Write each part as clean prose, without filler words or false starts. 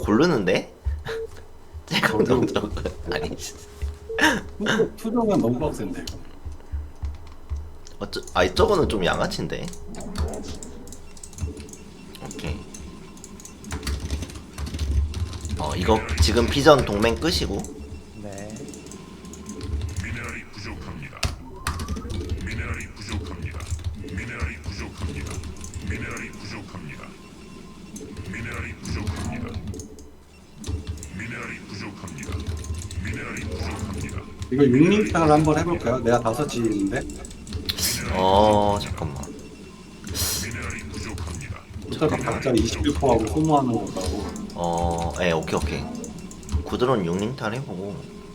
고르는데? 제가 너무 적은 아니 투정은 너무 빡센데. 아이 저거는 좀 양아치인데. 오케이. 이거 지금 비전 동맹 끄시고. 네. 미네랄이 부족합니다. 미네랄이 부족합니다. 미네랄이 부족합니다. 미네랄이 부족합니다. 미네랄이 부족합니다. 미네랄이 부족합니다. 미네랄이 부족합니다. 이거 6링탕을 한번 해볼까요? 내가 5지인데. 잠깐만. 미네랄이 부족합니다. 어차피 각자 21%하고 소모하는 거라고. 오케이. 구드론 6링탈 해보고.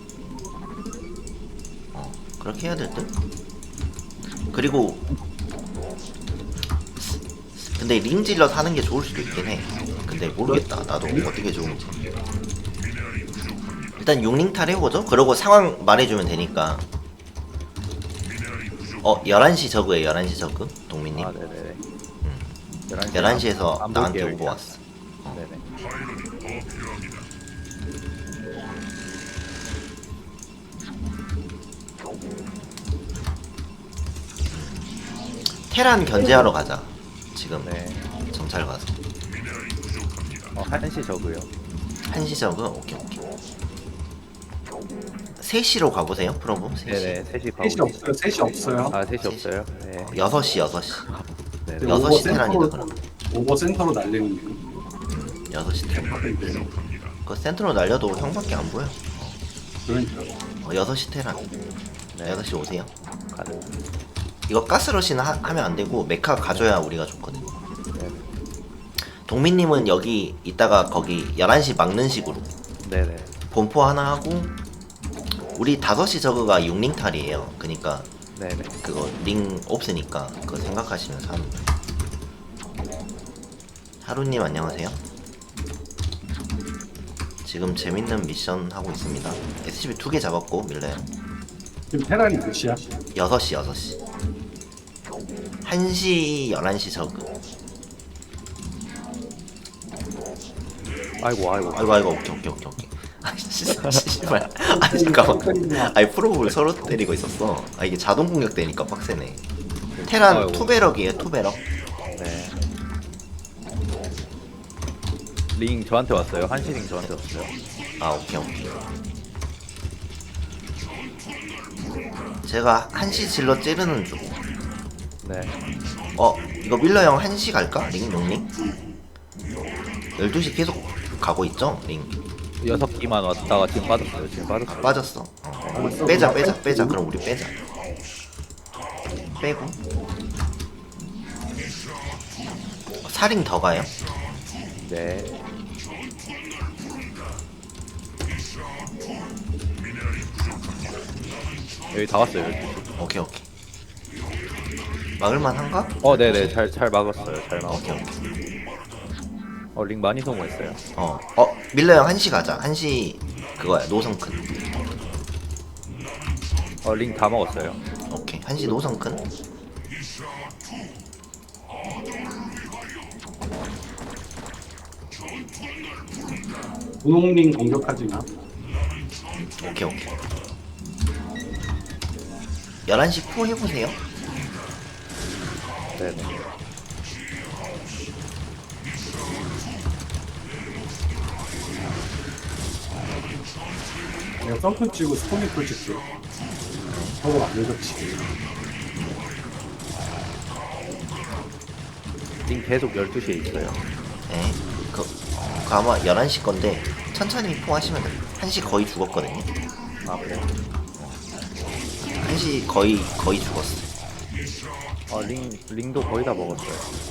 그렇게 해야 될 듯? 그리고 근데 링질러 사는 게 좋을 수도 있긴 해. 근데 모르겠다. 나도 어떻게 좋은지. 일단 6링탈 해보죠. 그러고 상황 말해주면 되니까. 11시 저그에 11시 저그? 동민님. 아, 네네네. 11시에서 안 나한테 볼게요, 오고 일단. 왔어. 네네. 테란 견제하러 가자. 지금 네. 정찰 가서. 1시 저고요. 1시 저그? 오케이. 3시로 가보세요, 프로브. 3시. 네네. 3시 가고. 3시 없어요. 3시 없어요. 아, 3시 없어요. 네. 6시. 네네. 여섯 시 테란이다, 그럼. 오버 센터로 날리는 중. 6시 테란. 그 센터로 날려도 형밖에 안 보여. 그러니까. 6시 테란. 네. 6시 오세요. 가능. 이거 가스러시는 하면 안 되고 메카 가져야 우리가 좋거든. 네네. 동민님은 여기 있다가 거기 11시 막는 식으로 네네. 본포 하나 하고, 우리 5시 저그가 6링탈이에요. 그니까 네네. 그거 링 없으니까 그거 생각하시면서 하는 거예요. 하루님 안녕하세요. 지금 재밌는 미션 하고 있습니다. SCP 2개 잡았고 밀려요. 지금 테란이 몇이야? 6시 1시 11시 저그. 아이고. 아이고 오케이. 아이 씨발. 아니 잠깐만. 아이 프로브를 서로 때리고 있었어. 이게 자동 공격 되니까 빡세네. 테란 아이고. 투베럭이에요, 투베럭. 네. 링 저한테 왔어요. 1시 링 저한테 왔어요. 오케이. 제가 1시 질러 찌르는 중. 네. 이거 밀러 형 1시 갈까? 링, 용링? 12시 계속 가고 있죠? 링. 6기만 왔다가 지금 빠졌어요. 빠졌어. 빼자. 그럼 우리 빼자. 빼고. 사링 더 가요? 네. 여기 다 왔어요. 12시. 오케이. 막을만 한가? 네네. 잘 막았어요. 잘 막았어요. 오케이. 링 많이 소모했어요. 밀러 형 1시 가자. 1시 그거야, 노성큰. 링 다 먹었어요. 오케이. 1시 노성큰. 분홍링 공격하지 마. 오케이. 11시 포 해보세요. 네네. 내가 썬큰 치고 스포니풀 칠게. 서로 안 겹치게. 링 계속 12시에 있어요. 네. 그 아마 11시 건데 천천히 포 하시면 돼요. 1시 거의 죽었거든요. 아, 그래? 1시 거의 죽었어. 링도 거의 다 먹었어요.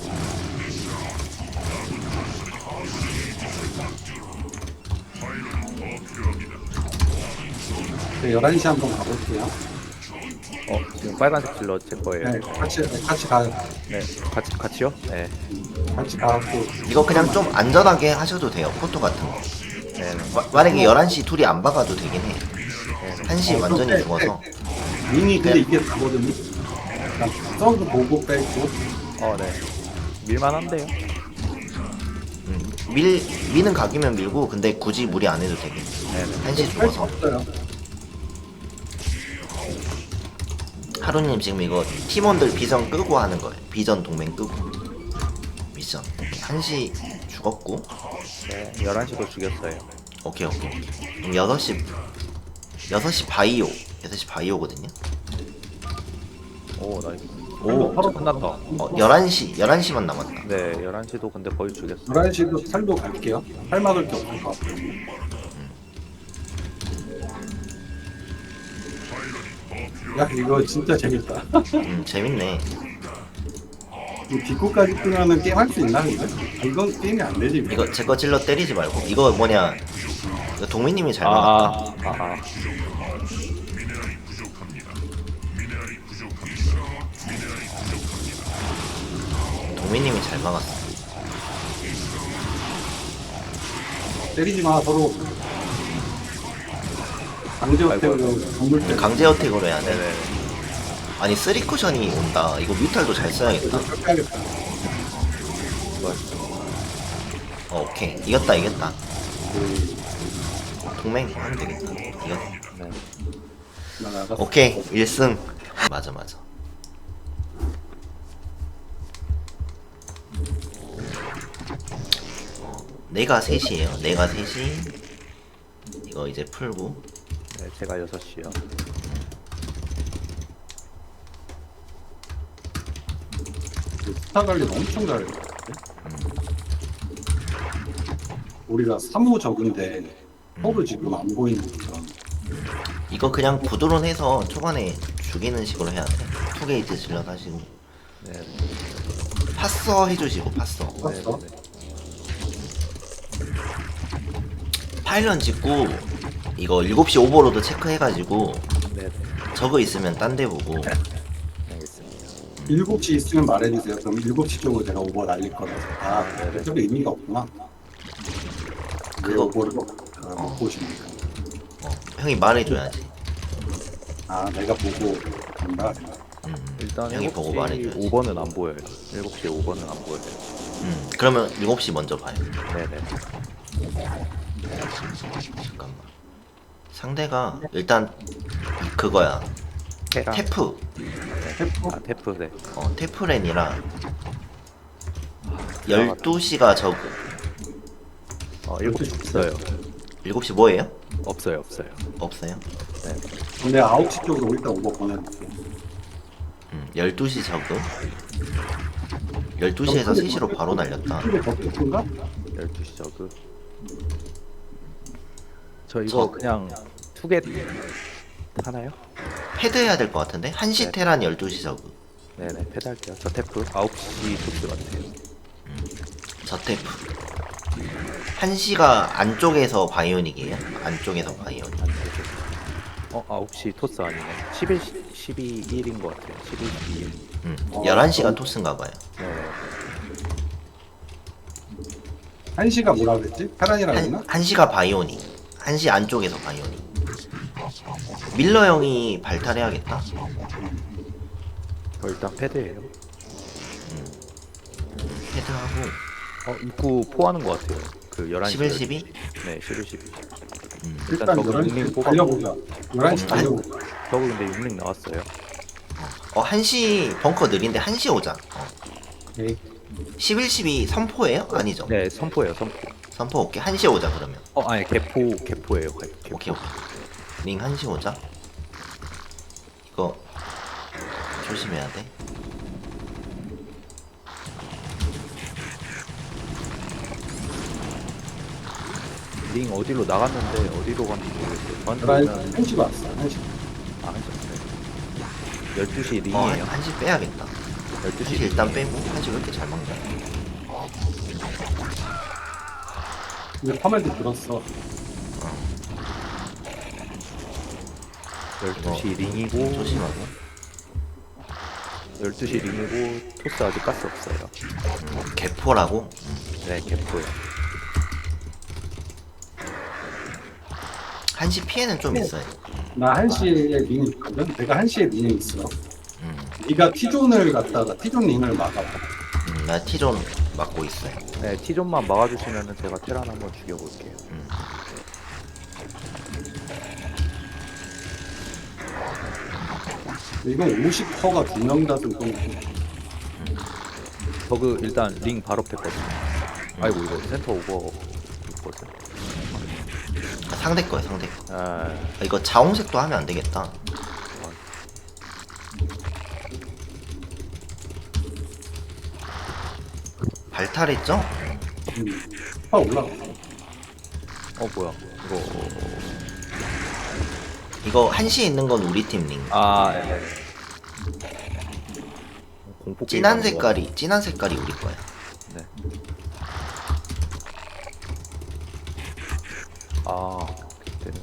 네, 11시 한번 가볼게요. 지금 빨간색 질러 제 거예요. 네, 같이 가요. 네. 같이요? 네. 같이 가고. 이거 그냥 좀 안전하게 하셔도 돼요. 포토 같은 거. 네네. 만약에 11시 둘이 안 박아도 되긴 해. 네네. 1시 완전히 죽어서. 링이 근데 이게 다거든요. 썬도 보고 빼고. 네. 밀만한데요? 미는 각이면 밀고 근데 굳이 무리 안 해도 되게. 네네. 한시 할수 죽어서. 없어요. 하루님 지금 이거 팀원들 비전 끄고 하는 거예요. 비전 동맹 끄고. 미션. 오케이. 한시 죽었고. 네, 11시도 죽였어요. 오케이. 그럼 6시 바이오. 6시 바이오거든요. 오, 나이스. 오, 오, 끝났다. 11시만 남았다. 네, 11시도 근데 거의 죽였어. 11시도 살도 갈게요. 할 막을 게 없을 것 같아요. 야, 이거 진짜 재밌다. 재밌네. 이 뒷코까지 끄면은 게임 할 수 있나, 근데? 이건 게임이 안 되지. 이거 제 거 찔러 때리지 말고. 이거 뭐냐. 이거 동민님이 잘 막았다. 아. 미네랄이 부족합니다. 미네랄이 부족합니다. 미네랄이 부족합니다. 동민님이 잘 막았어. 때리지 마, 서로. 강제 어택으로 건물 때. 강제 어택으로 해야 돼. 네네. 아니 3쿠션이 온다. 이거 뮤탈도 잘 써야겠다. 해야겠다. 오케이. 이겼다. 동맹 하면 되겠다. 이겼다. 네. 나 나갔어. 오케이. 1승. 맞아. 내가 3시에요. 내가 3시. 이거 이제 풀고. 네, 제가 6시요. 스타 관리 엄청 잘해. 우리가 3호 적은데 서로 지금 안 보이는 거죠. 이거 그냥 부드론해서 초반에 죽이는 식으로 해야 돼. 투게이트 질러 하시고. 네. 파서 해주시고 파서. 봤어? 파일런 짓고 이거 7시 오버로드 체크해가지고 네. 저거 있으면 딴 데 보고. 알겠습니다. 7시 있으면 말해주세요. 그럼 7시 쪽으로 제가 오버 날릴 거라서. 아, 네네. 별 의미가 없구나. 그거- 오버를 못 보시니까. 형이 말해줘야지. 아, 내가 보고 간다. 일단 형이 보고 말해줘야지. 5번은 안 보여요. 7시 5번은 안 보여요. 그러면 7시 먼저 봐요. 네네. 잠깐만. 상대가 일단 그거야. 테라. 테프. 태포? 아, 테프, 네. 테프렌이라 12시가 저거. 7시 없어요. 7시 뭐예요? 없어요. 없어요? 네. 근데 9시 쪽으로 일단 오버 보내놓을게. 12시 저거. 12시에서 3시로 바로 날렸다. 이게 더 끝인가? 12시 저그. 저 이거 그냥 투겟 하나요? 헤드 해야 될 것 같은데? 1시 네. 테란 12시 저거. 네네, 패드할게요. 저 테프 9시 토스 같아요. 저 테프. 1시가 안쪽에서 바이오닉이에요? 안쪽에서 바이오닉. 9시 토스 아니네. 12인 것 같아요. 12, 12일. 11시가 토스인가 봐요. 네. 1시가 뭐라 그랬지? 테란이라고 했나? 1시가 바이오닉. 1시 안쪽에서 바이오닉. 밀러 형이 발탈해야겠다. 일단 패드예요. 헤드하고 입구 포하는 것 같아요. 그 11시. 11, 12? 네, 11, 12. 일단 저거 11시 뽑아보고. 달려보자. 11시 달려보자. 저거 근데 6링 나왔어요. 1시 벙커 느린데 1시 오자. 오케이. 11, 12 선포예요? 아니죠. 네, 선포예요, 선포. 선포 오케이. 1시에 오자 그러면. 아니, 개포예요. 개포. 오케이. 링 1시 오자. 이거 조심해야 돼. 링 어디로 나갔는데 어디로 갔는지 모르겠어요. 저한테 1시 왔어. 1시. 하셨어요. 12시 어, 링이에요. 1시 빼야겠다. 12시 1시 일단 빼고 1시 왜 이렇게 잘 먹냐. 근데 커맨드 들었어. 12시 링이고 조심하고. 12시 링이고 토스 아직 가스 없어요. 개포라고? 네, 개포요. 1시 피해는 좀 있어요. 나 1시에 링이 있거든? 내가 1시에 링이 있어. 네가 T존을 갖다가 T존 링을 막아봐. 나 T존 막고 있어요. 네, T존만 막아주시면은 제가 테란 한번 죽여볼게요. 이건 50%가 2명 다 들고 저그 일단 링 바로 뺐거든요. 아이고 이거 센터 오버 있거든. 아, 상대 거야 상대 거. 아, 아, 이거 자홍색도 하면 안 되겠다. 발탈했죠? 올라가. 뭐야 이거. 이거 한시에 있는 건 우리 팀 링. 공포 진한 게임 하는 거야. 진한 색깔이 우리 거야. 네. 그때는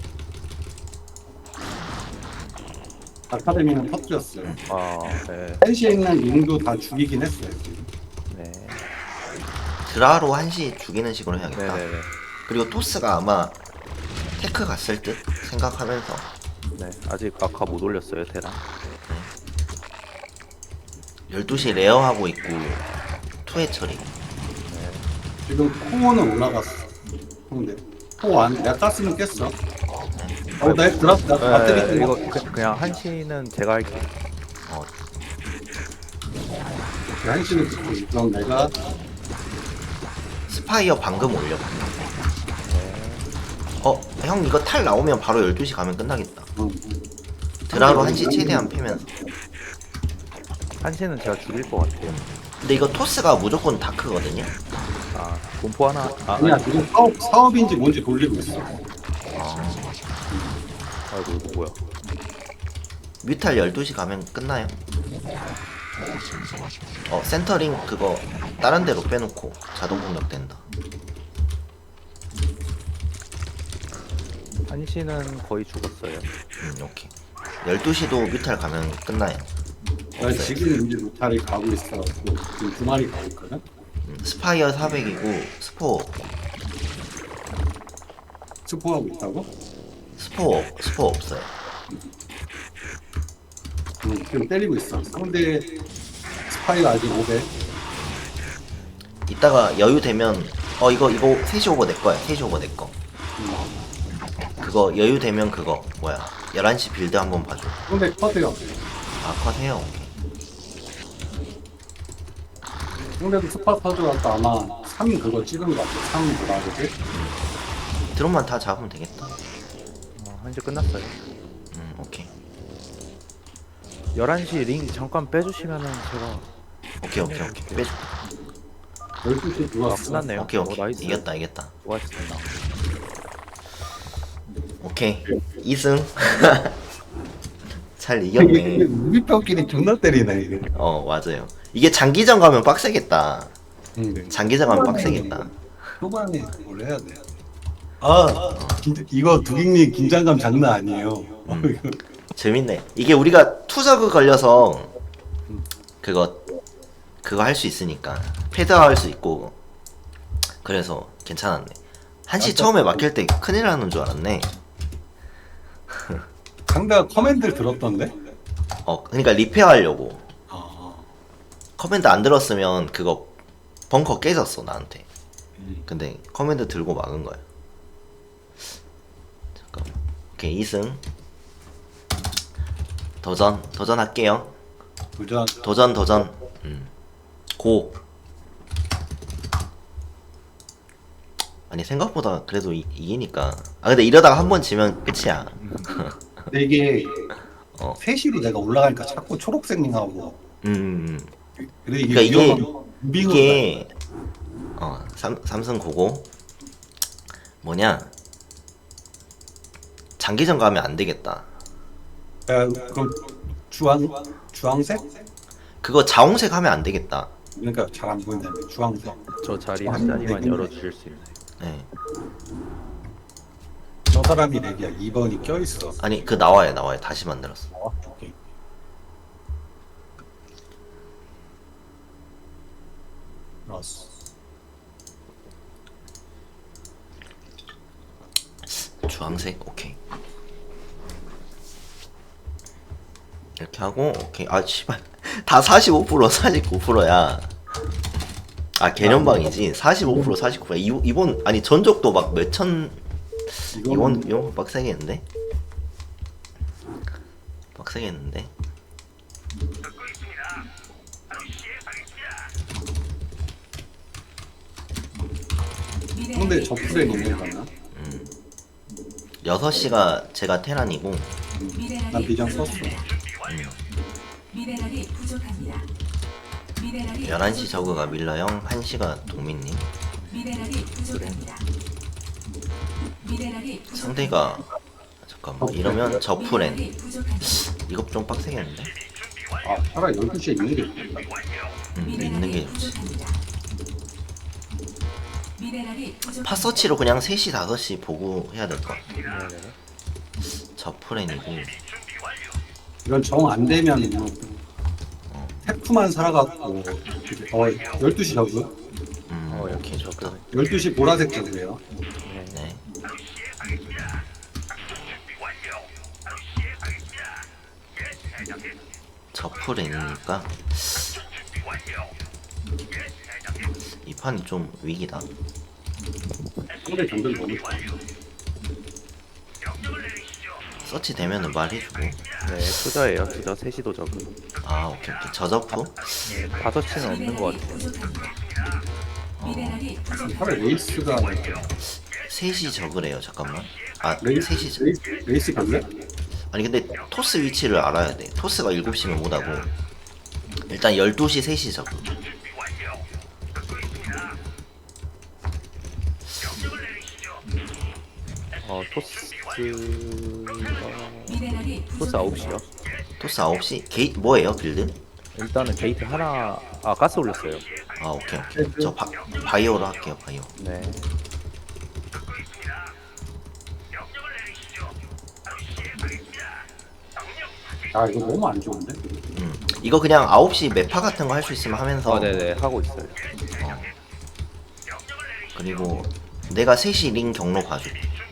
아카데미는 터뜨렸어요. 네. 한시에 있는 링도 다 죽이긴 했어요. 지금. 네. 드라로 한시 죽이는 식으로 해야겠다. 네네네. 그리고 토스가 아마 테크 갔을 듯 생각하면서 네. 아직 아까 못 올렸어요 테란. 12시 레어하고 있고 투회 처리. 지금 코어는 올라갔어. 근데 코어 안 내가 땄으면 깼어. 나 드랍 나 배터리 이거 그냥 한시는 제가 할게요. 한시는 듣고 그럼 내가 스파이어 방금 올렸고. 형 이거 탈 나오면 바로 12시 가면 끝나겠다. 드라로 한시 최대한 패면서. 한시는 제가 죽일 것 같아요. 근데 이거 토스가 무조건 다크거든요. 공포 하나. 아니야 지금 사업인지 뭔지 돌리고 있어. 아이고 이거 뭐야. 뮤탈 12시 가면 끝나요. 센터링 그거 다른 데로 빼놓고 자동 공격된다. 한시는 거의 죽었어요. 오케이. 12시도 뮤탈 가면 끝나요. 나 지금 이제 루탈이 가고 있어. 지금 2마리 가고 있거든. 스파이어 400이고 스포하고 있다고? 스포 없어요. 지금 때리고 있어. 상대 스파이가 아직 500. 이따가 여유 되면 이거 3시 오버 내 거야. 3시 오버 내 거. 그거 여유 되면 그거 뭐야? 11시 빌드 한번 봐줘. 상대 커드요. 컷해요. 상대도 스파 터져갖고 아마 3 그거 찍은 거 같아. 3 뭐라 그러지? 드론만 다 잡으면 되겠다. 한시 끝났어요. 오케이. 11시 링 잠깐 빼주시면은 제가. 오케이. 빼줘. 12시 들어왔어. 끝났네요. 오케이. 나이스. 이겼다. 수고하셨습니다. 오케이. 2승. 잘 이겼네. 우리 뼈끼리 존나 때리네 이게. 맞아요. 이게 장기전 가면 빡세겠다. 응. 장기전 가면 빡세겠다. 초반에 뭘 해야 돼? 이거 두깅님 긴장감 장난 아니에요. 이거. 재밌네. 이게 우리가 투저그 걸려서 그거 할 수 있으니까 패드화 할 수 있고 그래서 괜찮았네. 한시 처음에 막힐 때 큰일 나는 줄 알았네. 상대가 커맨드를 들었던데? 그러니까 리페어 하려고. 아, 커맨드 안 들었으면 그거 벙커 깨졌어 나한테. 근데 커맨드 들고 막은 거야. 잠깐만. 오케이 2승. 도전할게요. 도전. 고. 아니 생각보다 그래도 이기니까. 근데 이러다가 한 번 지면 끝이야. 근데 이게 3시로 내가 올라가니까 자꾸 초록색링하고 그래 그러니까 이게 삼성 고고 뭐냐 장기전 가면 안 되겠다. 그럼 주황색? 그거 자홍색 하면 안 되겠다. 그러니까 잘 안 보인다며 주황색. 저 자리 한 자리만 열어주실 수 있나요? 네. 저 사람이 렉이야. 2번이 껴있어. 아니 그 나와요 다시 만들었어. 오케이. 알았어. 주황색 오케이. 이렇게 하고 오케이. 씨발 다 45% 49%야. 아 개념방이지. 45% 49%. 이번 아니 전적도 막 몇천. 이번 빡세겠는데? 빡세겠는데? 근데 저 풀에 있는 거나 6시가 제가 테란이고 난 비전 썼어. 미네랄이 부족합니다. 미네랄이 11시 저그가 밀러형, 1시가 동민님. 미네랄이 부족합니다. 미네랄이 부족합니다. 상대가 잠깐만 이러면 저풀엔 미네랄이 부족합니다. 이거 좀 빡세겠는데? 아 차라리 12시에 있는 게 좋겠다. 있는 게 좋지. 부족합니다. 미네랄이 부족합니다. 팟서치로 그냥 3시 5시 보고 해야 될 것 같아. 네네. 저풀엔이고 이건 정 안 되면 뭐 태프만 살아갖고 12시 저그? 오케이 좋다. 12시 보라색 저그예요. 네. 저풀엔이니까 이 판이 좀 위기다. 상대 정글 너무 좋아. 서치 되면은 말해주고. 네, 투자예요. 투자 3시도 적은. 아 오케이. 저저프? 5시는 없는 것 같아요. 미네랄이 부족합니다. 차라리 레이스가 3시 저그래요. 잠깐만. 아 레이스 3시 저... 레이스 별래? 아니 근데 토스 위치를 알아야 돼. 토스가 7시면 못하고 일단 12시 3시 저그. 토스가 미네랄이 토스 9시요. 토스 9시? 게이 뭐예요 빌드? 일단은 게이트 하나 가스 올렸어요. 아 오케이. 저 바이오로 할게요. 바이오. 네. 아 이거 너무 안 좋은데? 이거 그냥 9시 매파 같은 거 할 수 있으면 하면서 네네 하고 있어요. 그리고 내가 3시 링 경로 봐줘.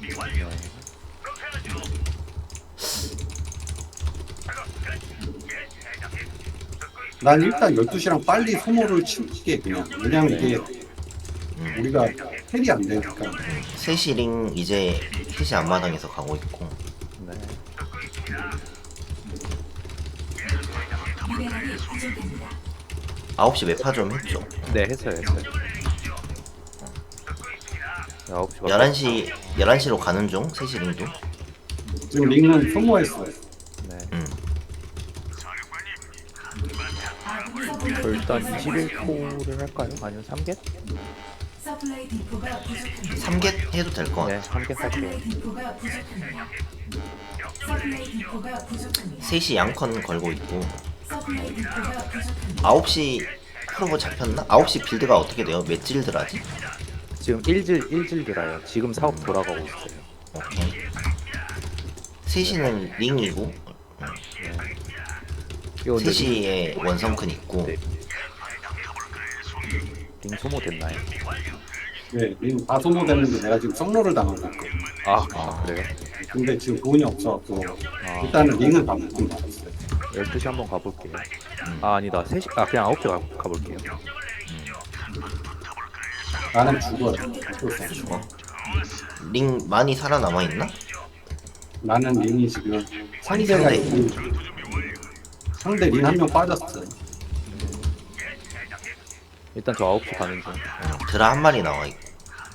난 일단 12시랑 빨리 소모를 치게 그냥. 왜냐면 이게 우리가 헬이 안 되니까. 3시 링 이제 3시 앞마당에서 가고 있고 네. 미네랄이 부족합니다. 9시 매파 좀 했죠. 네 했어요. 9시 11시로 가는 중 3시 링도. 지금 링은 소모했어요. 네. 아군 일단 21코를 할까요? 아니면 3겟? 서플라이 디포가 부족합니다. 3겟 해도 될 것 네, 같아. 3겟 할게요. 서플라이 디포가 부족합니다. 서플라이 디포가 부족합니다. 3시 양컨 걸고 있고 서플라이 디포가 부족합니다. 9시 프로보 잡혔나? 9시 빌드가 어떻게 돼요? 몇 질드라지? 지금 1질 들어요. 지금 사업 돌아가고 있어요. 오케이. 3시는 링이고 이거 근데 3시에 원성큰 있고 네. 링 소모됐나요? 네, 링 다 소모됐는데 내가 지금 썩로를 당하고 있거든. 그래요? 근데 지금 돈이 없어갖고 아. 일단은 링은 다 묶은 거 같았어요. 12시 한번 가볼게요. 아니다. 3시 그냥 9시 가볼게요. 나는 죽어요. 어쩔 수 없어. 죽어. 링 많이 살아남아 있나? 나는 링이 지금 상대. 상대가 있고 상대 링 한 명 빠졌어. 일단 저 9시 가는 중. 드라 한 마리 나와 있고.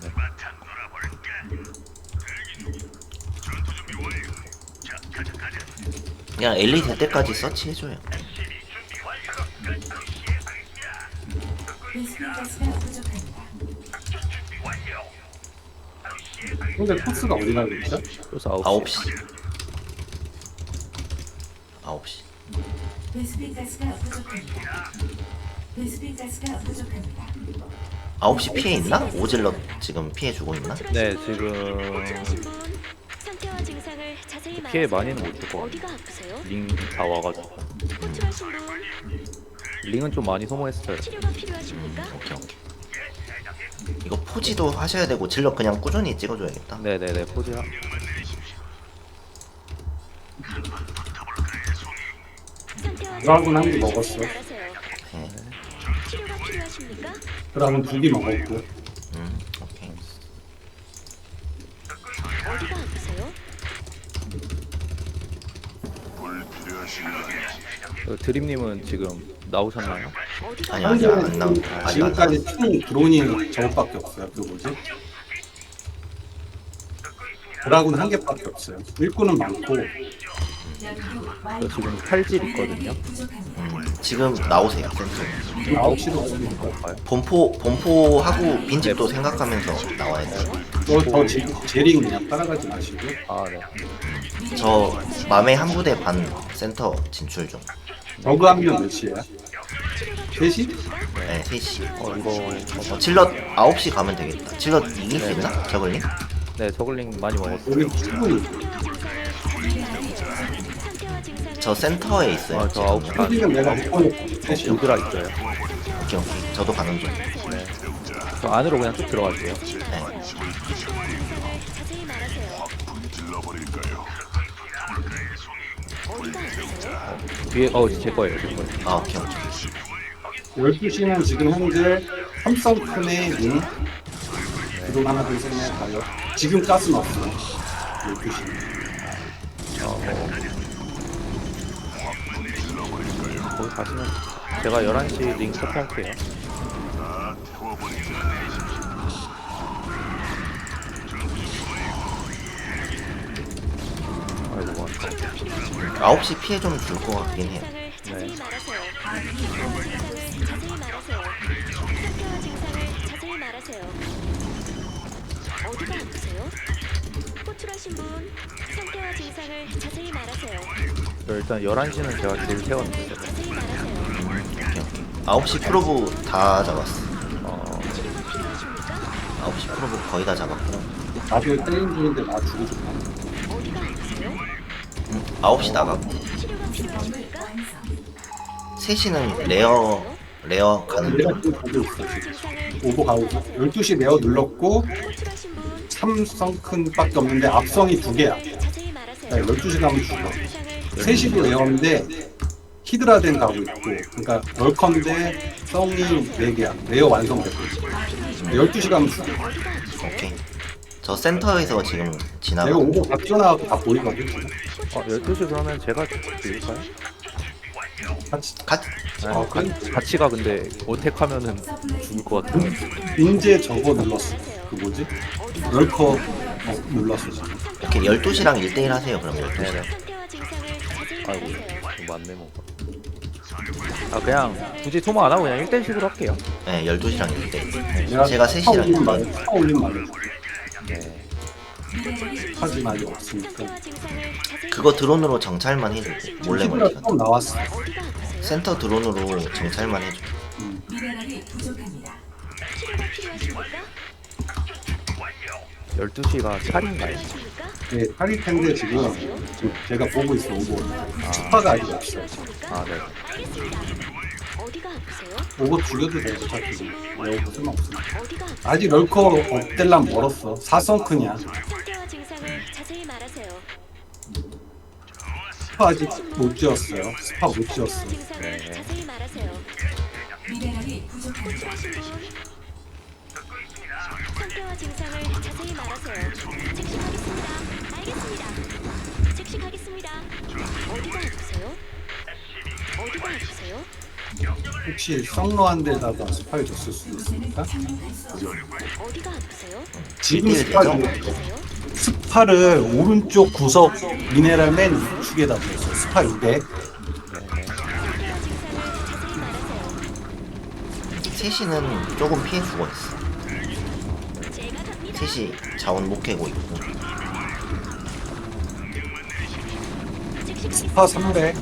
그냥 엘리 될 때까지 서치 해줘요. 베스핀 가스가 부족합니다. 근데 코스가 어디 가고 있죠? 그래서 9시. 9시. 9시. 베스핀 가스가 부족합니다. 베스핀 가스가 부족합니다. 9시 피해 있나? 오질럿 지금 피해 주고 있나? 네, 지금 호출하신 분 상태와 증상을 자세히 피해 말하세요. 많이는 못 줄 것 어디가 같아요. 아프세요? 링 다 와가지고. 호출하신 분 링은 좀 많이 소모했어요. 치료가 필요하십니까? 오케이. 이거 포지도 하셔야 되고 질럿 그냥 꾸준히 찍어줘야겠다. 네네네 포즈. 상태와 드라군 한개 증상을 먹었어. 자세히 말하세요. 네. 치료가 필요하십니까? 그러면 2개 먹었고. 오케이. 어디가 아프세요? 드림님은 지금 나오셨나요? 어디가 아니 아직 안 나온. 아직 안 지금까지 나왔어. 총 드론이 저것밖에 없어요. 그 뭐지? 드라군 1개밖에 없어요. 일꾼은 많고 저 지금 칼질 있거든요. 지금 나오세요 센터. 9시로 오는 거. 볼까요? 본포하고 빈집도 생각하면서 나와야 돼. 더 제링 그냥 따라가지 마시고. 아 네. 저 맘에 한 부대 반 센터 진출 중. 저그 하면 몇 시야? 3시? 네, 3시. 이거 질럿 9시 가면 되겠다. 질럿 이길 수 있나? 저걸링? 네 저글링 많이 먹었어요. 여기 충분히 상태와 증상을 저 센터에 있어요. 아, 저 9시 반. 지금 내가 못 보냈고 3시. 요드라 있어요. 오케이 오케이. 저도 가는 중. 네. 저 안으로 그냥 쭉 들어갈게요. 네. 자세히 말하세요. 어디가 아프세요? 뒤에 제 거예요. 제 거예요. 아 오케이 오케이. 12시는 지금 현재 삼성큰의 눈 드론 하나 둘셋넷 다섯 지금 가스 넣었어 12시 거기 가시면 제가 11시 링 터치할게요. 아이고 와. 9시 피해 좀 줄 것 같긴 해요. 증상을 자세히 말하세요. 자세히 말하세요. 상태와 증상을 자세히 말하세요. 어디가 아프세요? 호출하신 분 상태와 증상을 자세히 말하세요. 일단 11시는 제가 제일 세웠는데 자세히 말하세요. 오케이 오케이. 9시 프로브 다 잡았어. 치료가 필요하십니까? 9시 프로브 거의 다 잡았고. 나도 때린 중인데 나 죽고 싶어 어디가 아프세요? 9시 나갔고. 치료가 필요하십니까? 3시는 레어 가는 내가 중. 지금 보고 있어 상태와 지금 증상을 오버 가고 12시 내어 눌렀고 호출하신 분 삼성큰밖에 없는데 앞성이 2개야 자세히 말하세요. 12시 가면 죽어 증상을 3시도 레어인데 히드라덴 가고 있고 그러니까 럴컨데 성이 4개야 레어 완성됐고 12시 가면 죽어 오케이. 저 센터에서 지금 내가 지나가고. 오버 다 뛰어나가고 다 보이거든 지금 12시 그러면 제가 드릴까요? 같이 같이 같이 가 근데 어택하면은 죽을 것 같아요. 인제 저거 눌렀어 그 뭐지? 럴커 눌렀어 지금 이렇게 12시랑 1대1 하세요. 그럼 12시. 네네. 상태와 증상을 자세히 아이고 말하세요. 이거 맞네 뭐. 아 그냥 굳이 소모 안 하고 그냥 1대1식으로 할게요. 네, 12시랑 1대1. 내가 제가 차 3시랑 올린 1대1. 말을 차 올린 말을 네. 하지 말이 없으니까 상태와 증상을 자세히 그거 드론으로 정찰만 해주고. 몰래 히드라 걸리거든. 처음 나왔어 어디가 아프세요? 센터 드론으로 정찰만 해줘. 미네랄이 부족합니다. 치료가 필요하십니까? 12시가 찰인가요? 필요하십니까? 네, 팔일 텐데 지금 제가 보고 있어 오버 스파가 아직 없어 아 네. 알겠습니다. 어디가 아프세요? 오버 죽여도 돼 어차피 내오버 쓸모없어 어디가 아프세요? 아직 럴커 업델란 멀었어 4성큰이야 상태와 증상을 자세히 말하세요. 스파 아직 못 지었어요 스파 못 지었어 상태와 증상을 자세히 말하세요. 미네랄이 부족합니다. 호출하신 분 상태와 증상을 자세히 말하세요. 즉시하겠습니다. 알겠습니다. 즉시하겠습니다. 어디가 아프세요? 어디가 아프세요? 혹시 썩러한 데다가 스파를 줬을 수도 있으니까 어디가 아프세요? 지금 일대일 스파 되죠? 아프세요? 스파를 오른쪽 구석 미네랄 맨 우측에다 줬어 스파 200 상태와 증상을 자세히 말하세요. 3시는 조금 피해 주고 있어. 제가 갑니다. 3시 자원 못 캐고 있고. 즉시 스파 300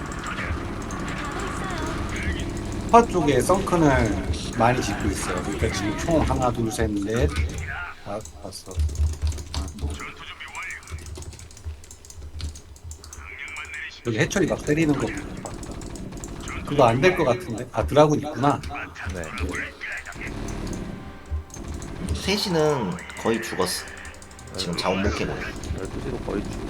스파 쪽에 썬큰을 많이 짓고 있어요 그러니까 지금 총 하나 둘셋넷 다 봤어 여기 해철이 막 때리는 거 그거 안 될 것 같은데 아 드라군 있구나 네. 3시는 거의 죽었어. 지금 자원 못 캐고 있어. 12시도 거의 죽.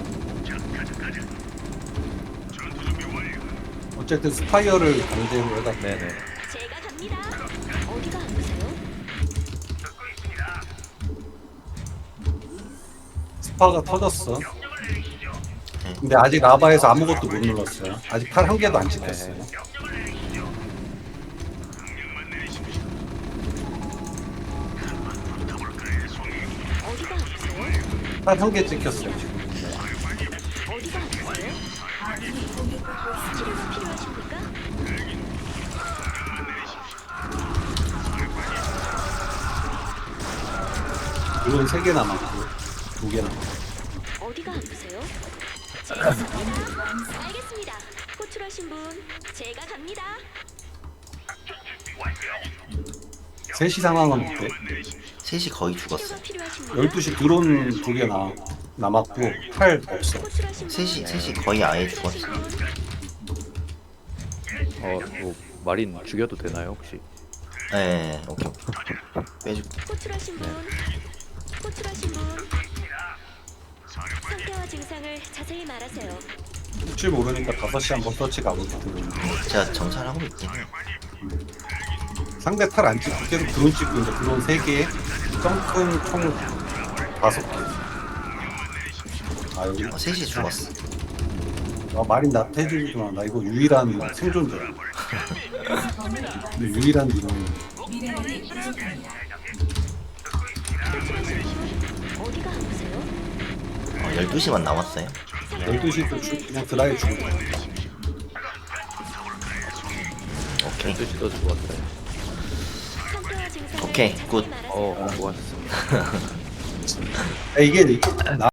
어쨌든 스파이어를 강제로 해다 네네. 제가 갑니다. 파가 터졌어. 근데 아직 라바에서 아무것도 못 눌렀어요. 아직 팔 한 개도 안 찍혔어요. 어디가 아프세요? 팔 한 개 찍혔어요 지금. 어디가 아프세요? 치료가 필요하십니까? 드론 3개 남았고 2개 남았고. 어디가 아프세요? 알겠습니다. 호출하신 분 제가 갑니다. 3시 상황은 어때? 셋이 거의 죽었어. 치료가 필요하십니까? 12시 드론 2개 남았고 팔 없어. 호출하신 분 셋이 거의 아예 죽었어. 뭐 마린 죽여도 되나요 혹시? 예, 오케이. 빼줄게. 호출하신 분 호출하신 분 상태와 증상을 자세히 말하세요. 혹시 모르니까 5시 한번 서치 가보자. 드론. 제가 정찰하고 있긴 해. 상대 팔 안 찍고 계속 드론 찍고 있는데 드론 3개, 점큰 총 5개. 아 여기 셋이 죽었어. 마린 나 해주지만 나 이거 유일한 생존자야. 근데 유일한 드론. 미네랄이 부족합니다. 어디가 아프세요? 12시만 남았어요. 12시도 그냥 드라이 죽은 거야. 오케이. 12시도 죽었어요. 상태와 증상을 오케이, 자세히 굿. 말하세요. 수고하셨습니다. 이게 나